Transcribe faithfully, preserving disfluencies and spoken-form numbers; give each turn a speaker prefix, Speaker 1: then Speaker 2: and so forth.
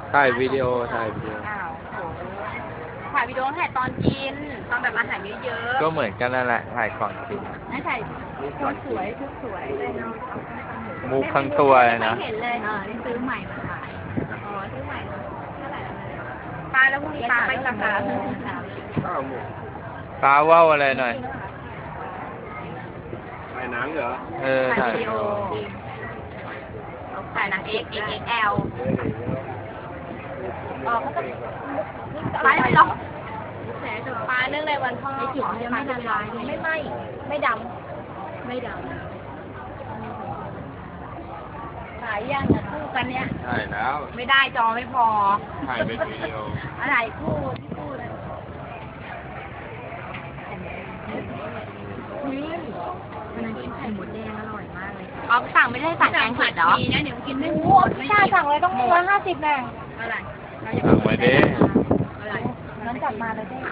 Speaker 1: ถ่ายวิดีโอถ่ายวิดีโอ
Speaker 2: อ้าวโหถ่ายวิดีโอถ่ายตอนกิน ตอนแบบอาหารเยอะๆ
Speaker 1: ก็เหมือนกันนั่นแหละถ่ายก่อนกิน
Speaker 2: ให้ถ่ายชุดสวยชุดสวยเลยเนาะ
Speaker 1: มุกทั้งตัวเลยนะ
Speaker 2: ไม่เห็นเลยเออนี่ซื้อใหม่มาขาย อ๋อซื้อใหม่เท่าไหร่ปลาแล้วพรุ่งนี้ปลาไปสักการะ
Speaker 1: ฟ้าว่าวอะไรหน่อย
Speaker 3: ถ่ายหนังเหรอ
Speaker 1: เออ
Speaker 2: ถ่า
Speaker 1: ถ่าย ย
Speaker 2: วิ
Speaker 1: วิ
Speaker 2: ดี
Speaker 1: ดี
Speaker 2: โอ
Speaker 1: โอ
Speaker 2: ถ่ายหนัง X X X L อ๋อเขาจะปลาไม่หรอกปลาเนื่องในวันพ่อไอ้จุ๋มยังไม่ละลายไม่ไหม้ไม่ดำไม่ดำขายย่างกับคู่กันเนี้ย
Speaker 3: ถ่ายแล้ว
Speaker 2: ไม่ได้จอไม่พอ
Speaker 3: ถ่ายเป็นวิดีโอ
Speaker 2: อะไรคู่ที่คู่เลยวันนั้นกินไข่หมดแดงอร่อยมากเลยอ๋อสั่งไม่ได้สั่งแกงเผ็ดเหรอนะเดี๋ยวกินไม่หมดพี่ชาสั่งเลยต้องร้อยห้าสิบแน่อะไร
Speaker 1: สั่งไว้ดิ
Speaker 2: อะไรนั้นจับมาเลยได้